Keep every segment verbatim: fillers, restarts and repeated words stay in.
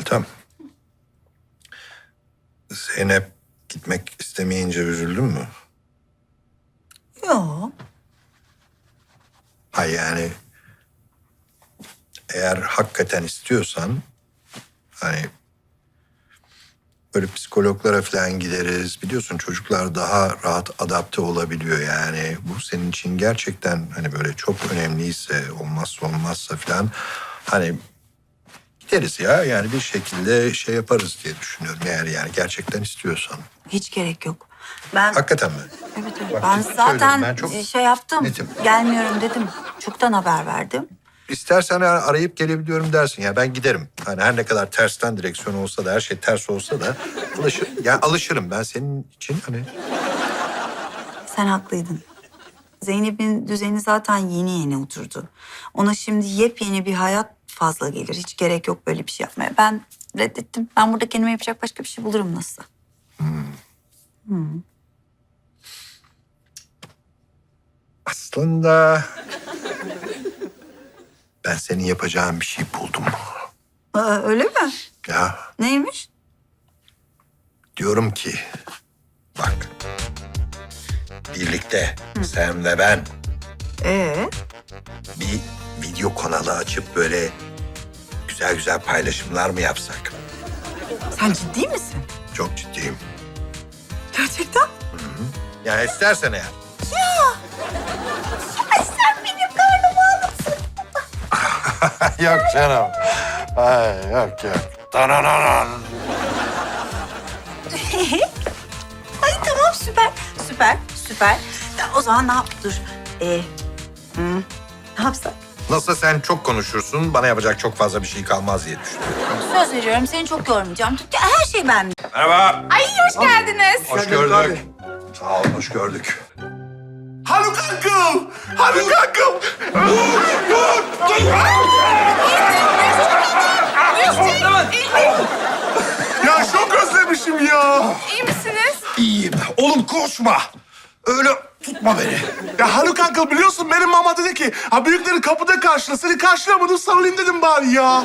Meltem. Zeynep gitmek istemeyince üzüldün mü? Yok. Hayır yani eğer hakikaten istiyorsan hani böyle psikologlara falan gideriz. Biliyorsun çocuklar daha rahat adapte olabiliyor yani. Bu senin için gerçekten hani böyle çok önemliyse, olmazsa olmazsa falan hani gideriz ya. Yani bir şekilde şey yaparız diye düşünüyorum eğer yani gerçekten istiyorsan. Hiç gerek yok. Ben Hakikaten mi? evet, evet. Bak, Ben ciddi söylüyorum, zaten ben çok şey yaptım. netim. Gelmiyorum dedim. Çoktan haber verdim. İstersen arayıp gelebiliyorum dersin ya ben giderim. Hani her ne kadar tersten direksiyon olsa da her şey ters olsa da alışır, yani alışırım ben senin için hani. Sen haklıydın. Zeynep'in düzeni zaten yeni yeni oturdu. Ona şimdi yepyeni bir hayat fazla gelir. Hiç gerek yok böyle bir şey yapmaya. Ben reddettim. Ben burada kendime yapacak başka bir şey bulurum nasıl. Aslında ben senin yapacağın bir şey buldum. Aa, öyle mi? Ya Neymiş? diyorum ki bak birlikte sen ve ben Ee, bir video kanalı açıp böyle güzel güzel paylaşımlar mı yapsak? sen ciddi misin? Çok ciddiyim. Gerçekten? Yani istersen eğer. Ay sen benim karnımı alırsın. Yok canım. Ay yok yok. Danananan. Ay tamam süper. Süper, süper. Ya, o zaman ne yap? Dur. Ee, hmm, ne yapsak? Nasıl sen çok konuşursun, bana yapacak çok fazla bir şey kalmaz diye düşünüyorum. Söz veriyorum seni çok yormayacağım. Her şey bende. Merhaba. Ay hoş geldiniz. Hoş gördük. Sağ ol, hoş gördük. Haluk Uncle! Haluk Uncle! Dur, dur, dur! Ya çok özlemişim ya. İyi misiniz? İyiyim. Oğlum koşma. Öyle tutma beni. Ya Haluk Uncle biliyorsun benim mama dedi ki ha büyükleri kapıda karşıla. Seni karşılamadım sarılayım dedim bari ya.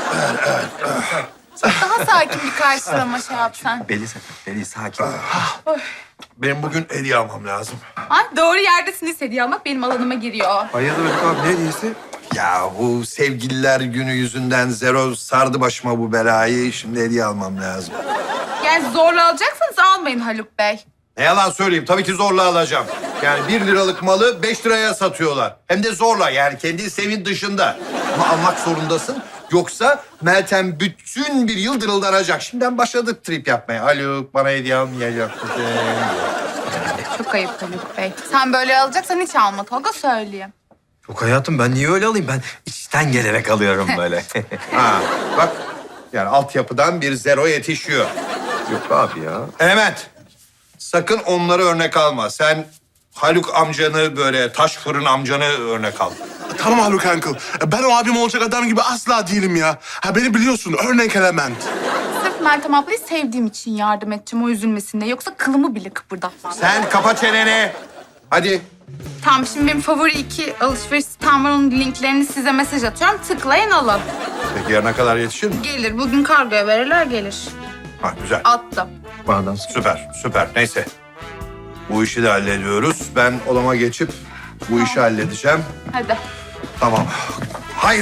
Daha sakin bir karşılama şey yapsan. Beli sakın, beli sakin. Benim bugün hediye almam lazım. Ay, doğru yerdesiniz, hediye almak benim alanıma giriyor. Hayırdır Haluk abi, ne hediyesi? Ya bu sevgililer günü yüzünden zero sardı başıma bu belayı. Şimdi hediye almam lazım. Yani zorla alacaksanız almayın Haluk Bey. Ne yalan söyleyeyim, tabii ki zorla alacağım. Yani bir liralık malı beş liraya satıyorlar. Hem de zorla, yani kendi isteğimin dışında. Ama almak zorundasın. Yoksa Meltem bütün bir yıl dırıldanacak. Şimdiden başladık trip yapmaya. Haluk bana hediye almayacak mısın? Çok ayıp Haluk Bey. Sen böyle alacaksan hiç alma Tolga, söyleyeyim. Yok hayatım, ben niye öyle alayım? Ben içten gelerek alıyorum böyle. Ha, bak yani altyapıdan bir zero yetişiyor. Yok abi ya. Element, sakın onları örnek alma. Sen Haluk amcanı böyle taş fırın amcanı örnek al. Tamam Haluk Uncle. Ben o abim olacak adam gibi asla değilim ya. Ha beni biliyorsun örnek element. Sırf Meltem ablayı sevdiğim için yardım edeceğim, o üzülmesin diye. Yoksa kılımı bile kıpırdatmam. Sen kapa çeneni. Hadi. Tamam, şimdi benim favori iki alışveriş sitem var. Onun linklerini size mesaj atıyorum. Tıklayın, alın. Peki yarına kadar yetişir mi? Gelir. Bugün kargoya verirler, gelir. Ha güzel. Attım. Bağdan Süper, süper. Neyse. Bu işi de hallediyoruz. Ben odama geçip bu işi halledeceğim. Hadi. Tamam. Hayır.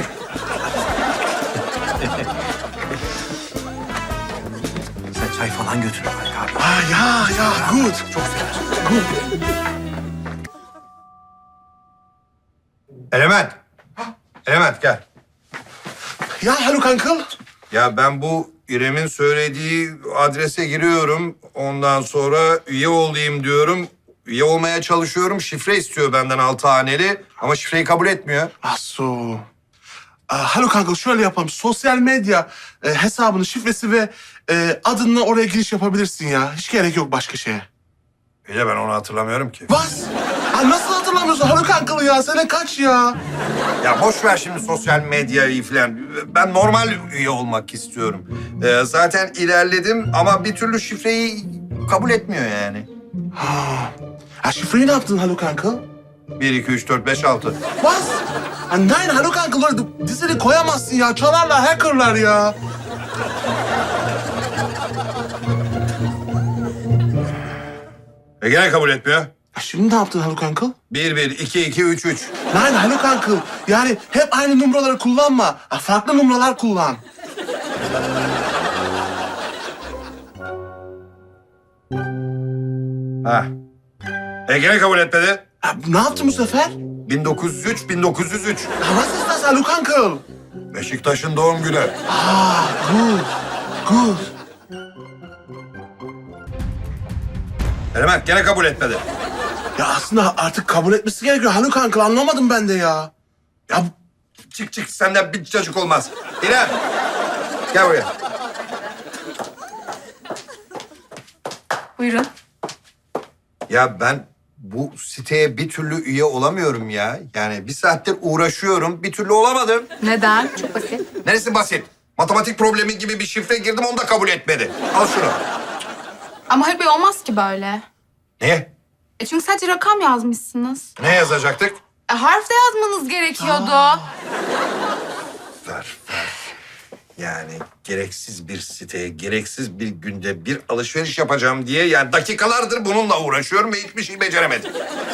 Sen çay falan götür Haluk abi. Ha ya ya good. Çok Element. Element gel. Ya Haluk Uncle. Ya ben bu İrem'in söylediği adrese giriyorum. Ondan sonra üye olayım diyorum. Üye olmaya çalışıyorum. Şifre istiyor benden altı haneli. Ama şifreyi kabul etmiyor. Asu. Aa, Haluk Uncle şöyle yapalım. Sosyal medya e, hesabının şifresi ve e, adınla oraya giriş yapabilirsin ya. Hiç gerek yok başka şeye. Bir de ben onu hatırlamıyorum ki. Vas. Aa, nasıl hatırlamıyorsun Haluk Uncle ya? Sene kaç ya? Ya boş ver şimdi sosyal medyayı falan. Ben normal üye olmak istiyorum. Ee, zaten ilerledim ama bir türlü şifreyi kabul etmiyor yani. Ha şifreyi ne yaptın Haluk Uncle? Bir, iki, üç, dört, beş, altı. Bas. Ha, nein Haluk Uncle öyle dizini koyamazsın ya. Çalarlar, hackerlar ya. E gene kabul etmiyor. Ya şimdi ne yaptın Haluk Uncle? Bir, bir, iki, iki, üç, üç. Lan Haluk Uncle, yani hep aynı numaraları kullanma. Ha, farklı numaralar kullan. Ha. E gene kabul etmedi. Ya, ne yaptın bu sefer? bin dokuz yüz üç, bin dokuz yüz üç. Ya, nasıl istersen Haluk Uncle? Beşiktaş'ın doğum günü. Ah, good, good. Hemen gene kabul etmedi. Ya aslında artık kabul etmesi gerekiyor Haluk Uncle, anlamadım ben de ya. Ya Çık çık senden bir çocuk olmaz. İrem. Gel buraya. Buyurun. Ya ben bu siteye bir türlü üye olamıyorum ya. Yani bir saattir uğraşıyorum, bir türlü olamadım. Neden? Çok basit. Neresi basit? Matematik problemi gibi bir şifre girdim, onu da kabul etmedi. Al şunu. Ama Haluk Bey olmaz ki böyle. Niye? E çünkü sadece rakam yazmışsınız. Ne yazacaktık? E harf de yazmanız gerekiyordu. Ver, ver. Yani gereksiz bir siteye, gereksiz bir günde bir alışveriş yapacağım diye... yani dakikalardır bununla uğraşıyorum ve hiçbir şey beceremedim.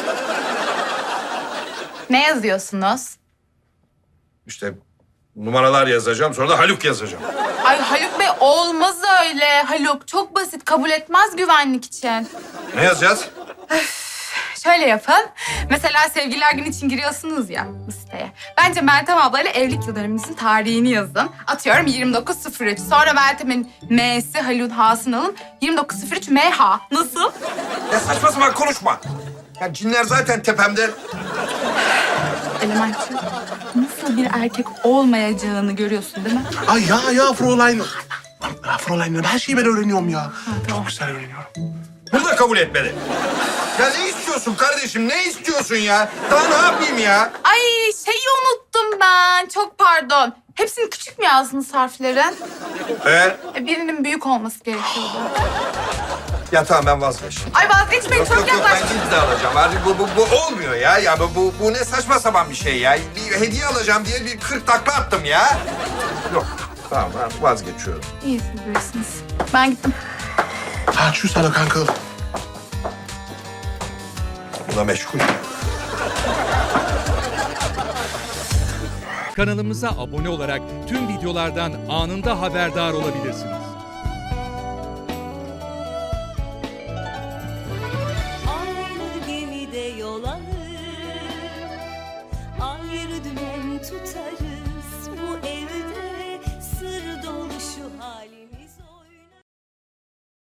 Ne yazıyorsunuz? İşte numaralar yazacağım, sonra da Haluk yazacağım. Ay Haluk Bey olmaz öyle. Haluk çok basit, kabul etmez güvenlik için. Ne yazacağız? Şöyle yapın. Mesela sevgililer günü için giriyorsunuz ya bu siteye. Bence Meltem ablayla evlilik yıl dönümünüzün tarihini yazın. Atıyorum yirmi dokuz sıfır üç. Sonra Meltem'in M'si, Haluk'un H'sını alın. yirmi dokuz sıfır üç M H. Nasıl? Ya saçma sapan konuşma. Ya cinler zaten tepemde. Elementçi, nasıl bir erkek olmayacağını görüyorsun değil mi? Ay ya ya Fräulein. Ya Fräulein, her şeyi ben öğreniyorum ya. Çok güzel öğreniyorum. Bunu da kabul etmedi. Ya ne istiyorsun kardeşim? Ne istiyorsun ya? Daha ne yapayım ya? Ay şeyi unuttum ben. Çok pardon. Hepsini küçük mü yazdınız harflerin? Ee? E, birinin büyük olması gerekiyordu. Ya tamam ben vazgeçtim. Ay vazgeçmeyin, çok Yok yok ben yaklaştım. ciddi alacağım. Artık bu, bu, bu olmuyor ya. Ya bu, bu, bu ne saçma sapan bir şey ya. Bir hediye alacağım diye bir kırk takla attım ya. Yok tamam ben vazgeçiyorum. İyi siz bilirsiniz. Ben gittim. Ha, tschüss Haluk Uncle. Buna meşgul. Kanalımıza abone olarak tüm videolardan anında haberdar olabilirsiniz. Aynı gemide yol alır, ayrı dümen tutarız. Bu evde